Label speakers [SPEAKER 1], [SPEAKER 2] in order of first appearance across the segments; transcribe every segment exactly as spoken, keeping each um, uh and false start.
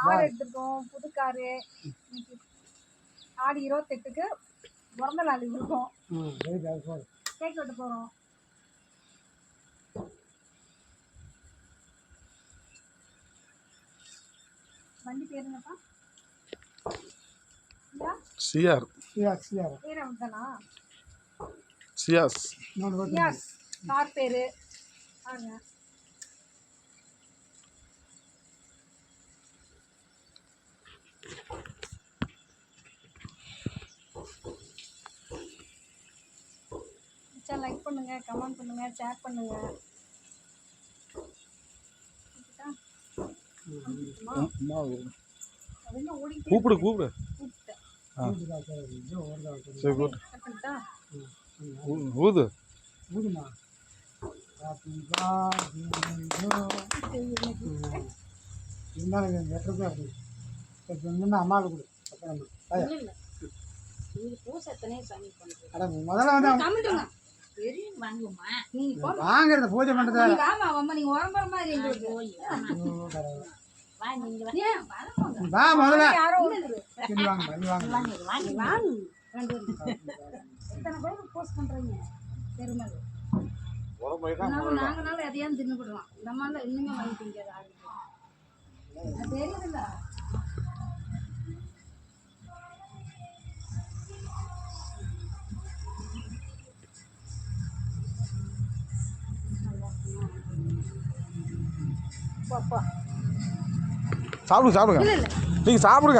[SPEAKER 1] Car எடுத்துருக்கோம், புது car. இன்னைக்கு ஆடி இருபத்தெட்டுக்கு பிறந்த நாள் இருக்கோம். கேக் வெட்ட போகிறோம். வண்டி பேர் என்னப்பா?
[SPEAKER 2] சிஆர்
[SPEAKER 3] சிஆர் சிஆர்
[SPEAKER 1] பேர் அவன்தானா?
[SPEAKER 2] சியாஸ்
[SPEAKER 1] சியாஸ் கார் பேர் பாருங்க. லைக் பண்ணுங்க, கமெண்ட் பண்ணுங்க, ஷேர் பண்ணுங்க.
[SPEAKER 2] கூப்பிடு கூப்பிடு ஊது
[SPEAKER 3] ஊதுமா இருந்தாலும் வெட்டுறதா இருக்கு. அம்மாவுக்கு கொடு. முதல்ல வந்து வாங்கறத பூஜை பண்றதா வா முதல்ல
[SPEAKER 1] நாங்கனால எதையாவது தின்னுபடுவோம். நம்மளால இன்னுமே வாங்கி திங்காது தெரியுதுல்ல.
[SPEAKER 2] சாப்பிடுங்க சாப்பிடுங்க நீங்க சாப்பிடுங்க.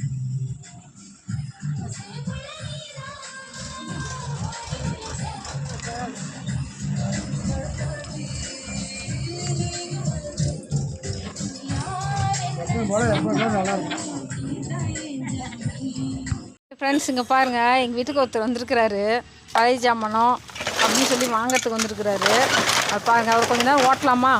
[SPEAKER 1] ஃப்ரெண்ட்ஸ் இங்கே பாருங்கள், எங்கள் வீட்டுக்கு ஒருத்தர் வந்திருக்கிறாரு. பழைய ஜாமானம் அப்படின்னு சொல்லி வாங்கிறதுக்கு வந்திருக்கிறாரு. அது பாருங்கள், அவர் கொஞ்ச நேரம் ஓட்டலாமா?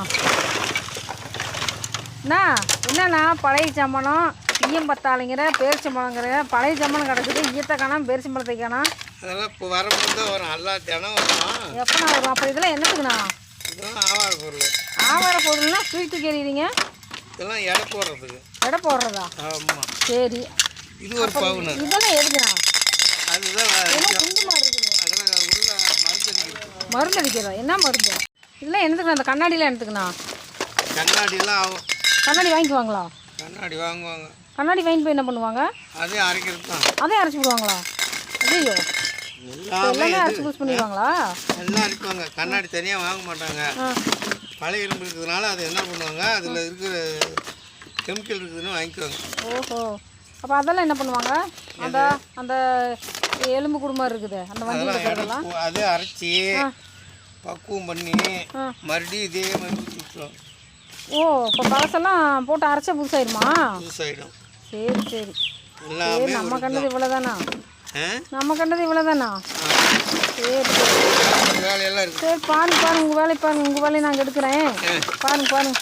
[SPEAKER 1] அண்ணா என்னண்ணா பழைய ஜாமானம் ஈயம் பத்தாளிங்கிற பேரிச்சம்பழங்கிற பழைய ஜாமானம் கிடக்குது. ஈயத்தை காணாமல் பேரிச்சம்பழத்தை காணா.
[SPEAKER 4] அதெல்லாம் இப்போ வரும்போது வரும், எல்லா தினம் வரும்.
[SPEAKER 1] எப்போண்ணா வரும்? அப்போ இதெல்லாம் என்னத்துக்குண்ணா?
[SPEAKER 4] இதெல்லாம் ஆவார பொருள்.
[SPEAKER 1] ஆவார பொருள்னா ஸ்வீட்டு கேட்குறீங்க?
[SPEAKER 4] இதெல்லாம் எடை போடுறதுக்கு.
[SPEAKER 1] எடை போடுறதா?
[SPEAKER 4] ஆமாம்.
[SPEAKER 1] சரி,
[SPEAKER 4] இது ஒரு பவுனு.
[SPEAKER 1] இதெல்லாம் எதுக்குண்ணா?
[SPEAKER 4] அதுதான்
[SPEAKER 1] குண்டுமா இருக்குது.
[SPEAKER 4] அதெல்லாம் உள்ள மருந்து அடிக்கிறது.
[SPEAKER 1] மருந்து அடிக்கிறதா? என்ன மருந்து? இதெல்லாம் என்னத்துக்குண்ணா? அந்த கண்ணாடிலாம் எடுத்துக்கண்ணா.
[SPEAKER 4] கண்ணாடிலாம் ஆகும்.
[SPEAKER 1] கண்ணாடி வாங்கிக்குவாங்களா?
[SPEAKER 4] கண்ணாடி வாங்குவாங்க.
[SPEAKER 1] கண்ணாடி வாங்கி போய் என்ன பண்ணுவாங்க?
[SPEAKER 4] அதே அரைக்கிறது தான்.
[SPEAKER 1] அதே அரைச்சி போடுவாங்களா? ஐயோ, எல்லாமே அரைச்சி யூஸ் பண்ணிடுவாங்களா?
[SPEAKER 4] எல்லாம் அரைக்குவாங்க. கண்ணாடி தனியாக வாங்க மாட்டாங்க. பழைய இரும்பு இருக்கிறதுனால அதை என்ன பண்ணுவாங்க, அதில் இருக்கிற கெமிக்கல் இருக்குதுன்னு வாங்கிக்குவாங்க.
[SPEAKER 1] ஓஹோ, அப்போ அதெல்லாம் என்ன பண்ணுவாங்க? அந்த அந்த எலும்பு குடும்பம் இருக்குது அந்த வண்டி இருக்கிறதெல்லாம்
[SPEAKER 4] அதே அரைச்சி பக்குவம் பண்ணி மறுபடியும் இதே மாதிரி சுற்றுவோம்.
[SPEAKER 1] ஓ, இப்போ பழசெல்லாம் போட்டு அரைச்சா புதுசாயிடுமா?
[SPEAKER 4] புதுசாயிடும்.
[SPEAKER 1] சரி சரி சரி, நம்ம கண்டது இவ்வளோதானா? நம்ம கண்டது இவ்வளோதானா? சரி சரி
[SPEAKER 4] வேலையெல்லாம் இருக்கு.
[SPEAKER 1] சரி, பாருங்க பாருங்க, உங்கள் வேலையை பாருங்க, உங்கள் வேலையை நாங்கள் எடுக்கிறேன். பாருங்க பாருங்க.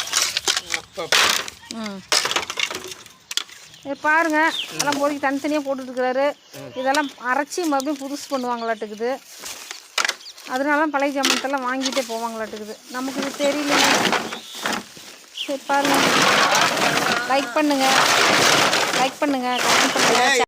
[SPEAKER 1] ம் சரி பாருங்க, அதெல்லாம் பொறுக்கி தனித்தனியாக போட்டுட்ருக்கிறாரு. இதெல்லாம் அரைச்சி மறுபடியும் புதுசு பண்ணுவாங்களாட்டுக்குது. அதனால பழைய ஜாமானத்தெல்லாம் வாங்கிட்டே போவாங்களாட்டுக்குது. நமக்கு இது தெரியல. சரி பாருங்கள், லைக் பண்ணுங்கள் லைக் பண்ணுங்கள் கமெண்ட் பண்ணுங்கள்.